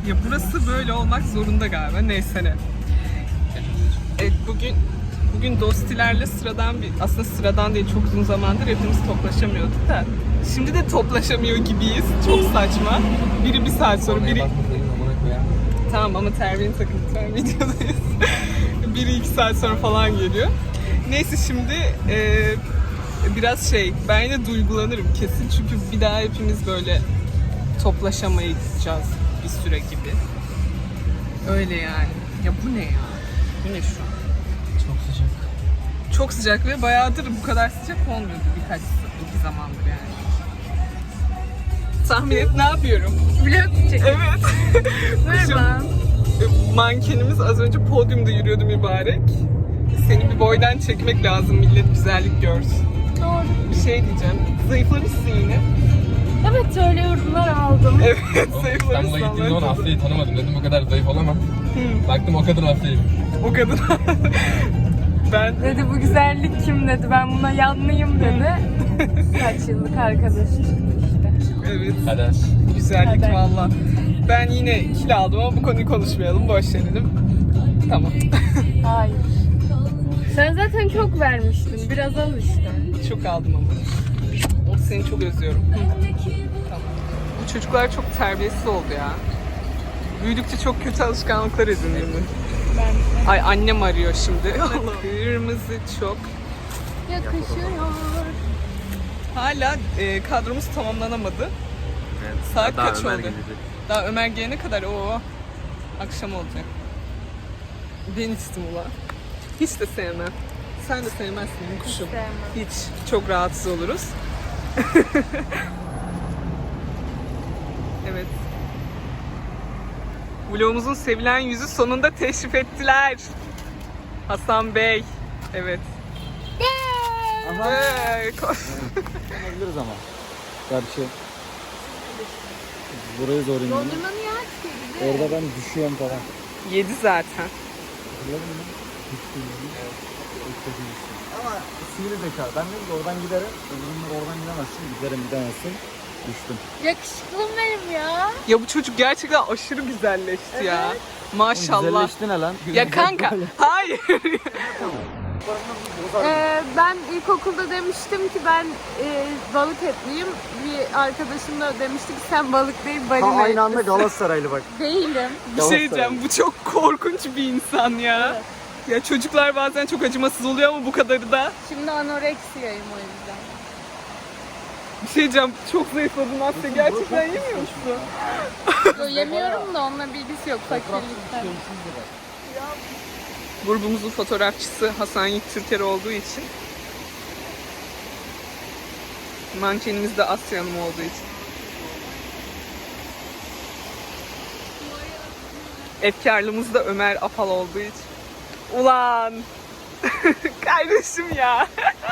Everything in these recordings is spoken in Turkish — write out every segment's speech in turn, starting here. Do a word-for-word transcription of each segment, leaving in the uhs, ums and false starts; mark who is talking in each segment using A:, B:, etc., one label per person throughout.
A: Ya burası böyle olmak zorunda galiba. Neyse ne. Evet, bugün bugün Dostilerle sıradan bir, aslında sıradan değil, çok uzun zamandır hepimiz toplaşamıyorduk da. Şimdi de toplaşamıyor gibiyiz. Çok saçma. Biri bir saat sonra, biri... Tamam ama terbiyeni takın lütfen, videodayız. Biri iki saat sonra falan geliyor. Neyse şimdi e, biraz şey, ben yine duygulanırım kesin çünkü bir daha hepimiz böyle toplaşamayacağız bir süre gibi. Öyle yani. Ya bu ne ya? Bu ne şu an?
B: Çok sıcak.
A: Çok sıcak ve bayağıdır bu kadar sıcak olmuyordu birkaç iki zamandır yani. Tahmin et ne yapıyorum?
C: Vlog çekiyor.
A: Evet.
C: Merhaba.
A: Mankenimiz az önce podyumda yürüyordu mübarek. Seni bir boydan çekmek lazım, millet güzellik görsün.
C: Doğru.
A: Bir şey diyeceğim. Zayıflamışsın yine.
C: Evet, öyle yorumlar aldım.
A: Evet,
B: İstanbul'a
A: zayıflamışsın.
B: gittiğimde onu Afya'yı tanımadım. Dedim o kadar zayıf olamam. Baktım o kadar Afya'yım.
A: O kadın. Ben
C: Dedi bu güzellik kim dedi. Ben buna yanlıyım dedi. Kaç yıllık arkadaş çıktı işte.
A: evet.
B: Kader.
A: Güzellik
C: Hadi.
A: valla. Ben yine kilo aldım ama bu konuyu konuşmayalım. Boş verelim. Tamam.
C: Hayır. Sen zaten çok vermiştin. Biraz al işte.
A: Çok aldım ama. O seni çok özlüyorum. Tamam. Bu çocuklar çok terbiyesiz oldu ya. Büyüdükçe çok kötü alışkanlıklar edinildi.
C: Ben
A: Ay annem arıyor şimdi. Kırmızı çok.
C: yakışıyor.
A: Hala e, kadromuz tamamlanamadı.
B: Evet.
A: Saat kaç oldu? Daha Ömer gelene kadar o akşam olacak. Ben içtim ulan. Hiç de sevmem. Sen de sevmezsin benim kuşum.
C: Sevmem.
A: Hiç. Çok rahatsız oluruz. Evet. Vlogumuzun sevilen yüzü sonunda teşrif ettiler. Hasan Bey. Evet.
D: Aha.
A: Hey, koş.
D: Olabiliriz ama. Gerçi. Burayı zor indim.
C: Dondurma niye aç dedi?
D: Orada ben düşüyorum falan.
A: Yedi zaten.
D: Hatırladın mı? Düştüm. Ama sivri zeka. Ben dedim ki oradan giderim. Öbürünler oradan gidemezsin. Giderim gidemezsin. Düştüm.
C: Yakışıklım benim ya.
A: Ya bu çocuk gerçekten aşırı güzelleşti ya. Maşallah.
D: Güzelleşti ne lan?
A: Ya kanka, hayır.
C: Ee, ben ilkokulda demiştim ki ben e, balık etliyim. Bir arkadaşım da demişti ki sen balık değil balina
D: Ha, aynı anda
C: etlisin.
D: Galatasaraylı bak.
C: Değilim.
A: Bir şey diyeceğim, bu çok korkunç bir insan ya.
C: Evet.
A: Ya çocuklar bazen çok acımasız oluyor ama bu kadarı da.
C: Şimdi anoreksiyayım o yüzden.
A: Bir şey diyeceğim, çok zayıfladın Asya. Gerçekten yemiyor musun?
C: Yo, yemiyorum da onunla bilgisi yok fakirlikten.
A: Grubumuzun fotoğrafçısı Hasan Yiğit Türker olduğu için. Mankenimiz de Asya Hanım olduğu için. Efkarlımız da Ömer Afal olduğu için. Ulan! Kardeşim ya!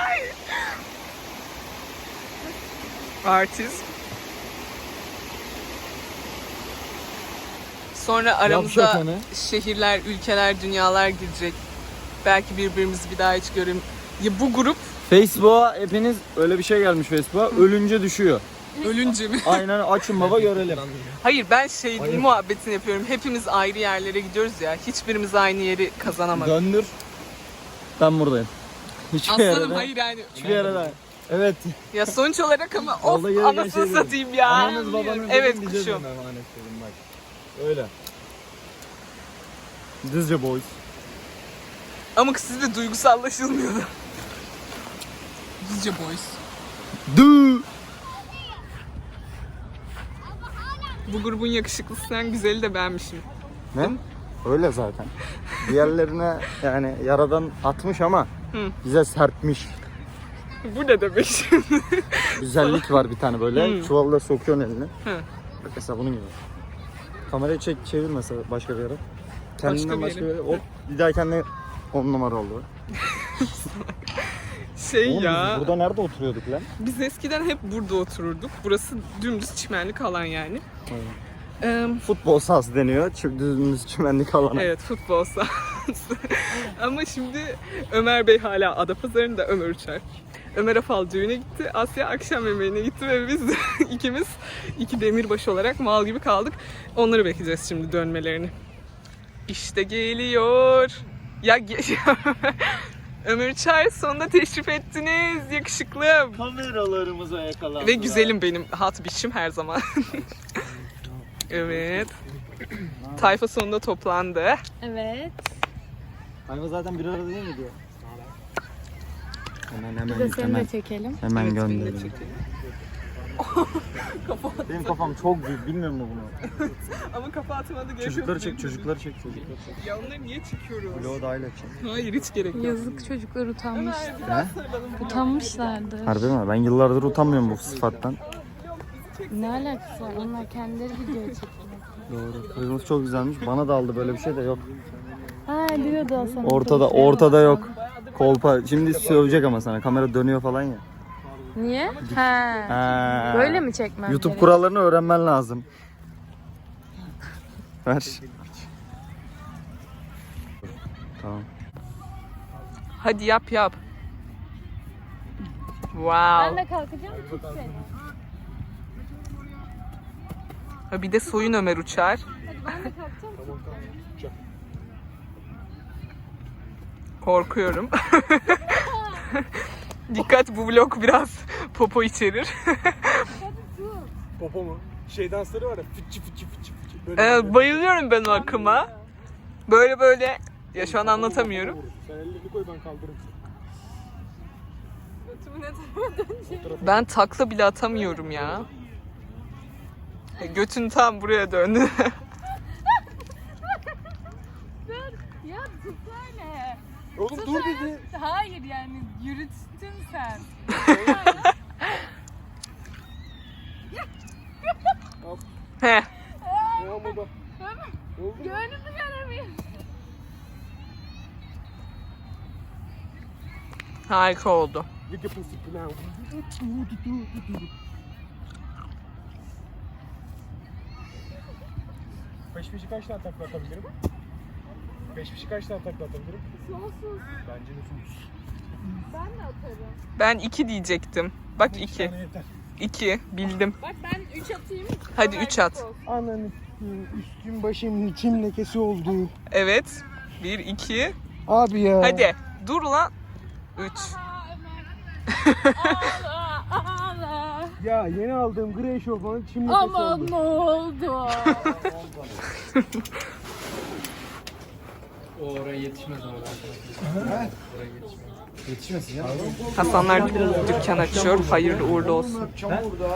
A: Artist. Sonra aramıza
D: Yavşak hani.
A: şehirler, ülkeler, dünyalar girecek. Belki birbirimizi bir daha hiç görüm. Ya bu grup
D: Facebook'a hepiniz öyle bir şey gelmiş Facebook'a. Ölünce düşüyor.
A: ölünce mi?
D: Aynen açın baba görelim.
A: Hayır, ben şey
D: Hayır.
A: muhabbetini yapıyorum. Hepimiz ayrı yerlere gidiyoruz ya. Hiçbirimiz aynı yeri kazanamadık.
D: Döndür. Ben buradayım. Hiçbir
A: Aslanım
D: yere de-
A: hayır yani.
D: Hiçbir yere de. Evet.
A: Ya sonuç olarak ama of
D: Vallahi gereken
A: anasını
D: şey dedim.
A: satayım ya.
D: Ananız babanız
A: Evet
D: dedim, bize
A: kuşum.
D: dedim, emanet dedim bak. Öyle. Dizce boys.
A: Ama sizde duygusallaşılmıyordu. Bizce boys.
D: Du.
A: Bu grubun yakışıklısından güzeli de benmişim.
D: Ne? Öyle zaten. Diğerlerine yani yaradan atmış ama
A: Hı.
D: bize serpmiş.
A: Bu ne demek şimdi?
D: Güzellik var bir tane böyle.
A: Hı.
D: Çuvalla sokuyorsun elini.
A: Hı.
D: Bak mesela bunun gibi. Kamerayı çek çevir mesela başka bir yere. Kendinden
A: bir
D: başka bir
A: yere.
D: yere. Hop bir daha kendine on numara oldu.
A: Şey
D: Oğlum
A: ya.
D: biz burada nerede oturuyorduk lan?
A: Biz eskiden hep burada otururduk. Burası dümdüz çimenlik alan yani.
D: Aynen.
A: Ee,
D: Futbol sahası deniyor. Çünkü düzümüz çimenlik alana.
A: evet, futbol sahası. Ama şimdi Ömer Bey hala Adapazarı'nda, Ömer Uçar. Ömer Afal düğüne gitti. Asya akşam yemeğine gitti ve biz de ikimiz iki demirbaş olarak mal gibi kaldık. Onları bekleyeceğiz şimdi dönmelerini. İşte geliyor. Ya ge- Ömer Uçar sonunda teşrif ettiniz. Yakışıklım.
D: Kameralarımıza yakalandılar.
A: Ve güzelim benim hat biçim her zaman. Evet. Tayfa sonunda toplandı.
C: Evet.
D: Hayvan zaten bir arada değil mi diyor? Hemen hemen
C: Bir de seni
D: hemen,
C: de çekelim.
D: hemen
A: Evet, beni de
D: gönderelim.
A: çekelim.
D: Benim kafam çok büyük, bilmiyor mu bunu?
A: Ama kafa atmadı gerek yok.
D: Çocukları çek, çocukları çek, çocukları çek.
A: Ya onları niye çekiyoruz?
D: Vlogu dahil edeceğim.
A: Hayır hiç gerek yok.
C: Yazık çocuklar utanmış.
A: Ömer biraz sarılalım.
C: Utanmışlardı.
D: Harbi mi? Ben yıllardır utanmıyorum bu sıfattan.
C: Ne alakası var? Onlar kendileri video çekiyor.
D: Doğru. Kızımız çok güzelmiş. Bana da aldı böyle bir şey de yok.
C: Ha diyordu o sana.
D: Ortada, ortada yok. Kolpa. Şimdi sövecek ama sana. Kamera dönüyor falan ya.
C: Niye? Ha.
D: Ha.
C: Böyle mi çekmem
D: YouTube
C: gerek?
D: kurallarını öğrenmen lazım. Ver. Tamam.
A: Hadi yap yap. Wow.
C: Ben de kalkacağım tut seni.
A: Ha, bir de soyun Ömer Uçar.
C: Ben de kalkacağım.
A: Korkuyorum. Dikkat, bu vlog biraz popo içerir.
E: Popo mu? Şey dansları var ya, fıçı fıçı fıçı fıçı. Böyle
A: Ee, bayılıyorum ben o akıma. Böyle böyle, ya şu an anlatamıyorum.
E: Sen ellerini koy, ben kaldırırım.
A: Ben takla bile atamıyorum ya. E, Götün tam buraya döndü.
C: Ya tutsana.
E: Oğlum dur dedi.
C: Hayır yani yürüttün sen.
A: He.
E: Ya ama bak.
C: Gönlümü göremiyorum.
A: Harika oldu.
E: Look at pussy now. Beş fişi kaç tane takla atabilirim? Beş fişi kaç tane takla atabilirim?
C: Sonsuz.
E: Bence de sus.
C: Ben de atarım.
A: Ben iki diyecektim. Bak
E: İki
A: iki.
E: tane yeter.
A: İki. Bildim.
C: Bak ben üç atayım.
A: Hadi üç at.
E: Ananı üstüm başım çim lekesi oldu.
A: Evet. Bir, iki.
E: Abi ya.
A: Hadi. Dur lan. Üç.
C: Ağla ağla.
E: Ya yeni aldığım gri eşofmanın çim lekesi
C: Aman
E: oldu.
C: ne oldu?
B: O oraya yetişmez ama. Oraya yetişmez.
D: Yetişmesin ya.
A: Hasanlar dükkan açıyor. Hayırlı uğurlu olsun.
D: Burada.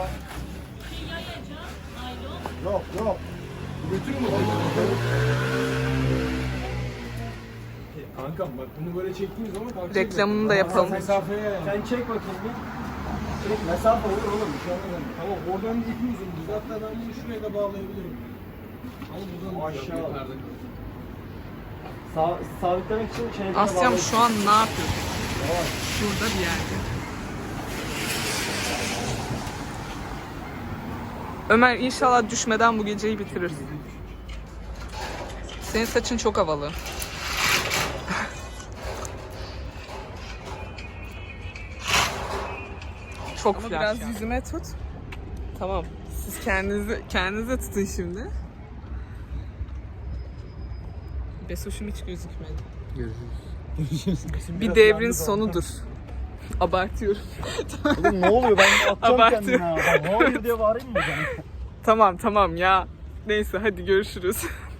D: Yok yok.
E: Götürün mü? Kankam bak bunu böyle çektiğimiz zaman kalkacak.
A: Reklamını da yapalım.
E: Mesafeye yani.
D: Sen çek bakayım bir. Çek, mesafe olur oğlum. Bir şey olmaz.
E: Tamam oradan bir ipimiz olur. Hatta ben bunu şuraya da bağlayabilirim. Ama buradan aşağı.
D: Sa sabitlemek için şeyleri
A: Asya'm şu an ne yapıyor? Şurada bir yerde. Ömer inşallah düşmeden bu geceyi bitirir. Senin saçın çok havalı. Çok Ama biraz yüzüme tut. Tamam. Siz kendinizi kendinize tutun şimdi. Besoş'um hiç gözükmedi. Bir devrin sonudur. Abartıyorum.
D: Oğlum ne oluyor? Ben atacağım
A: Abartı.
D: kendime ha. Ben hayır diye bağırayım mı ben?
A: Tamam tamam ya. Neyse hadi görüşürüz.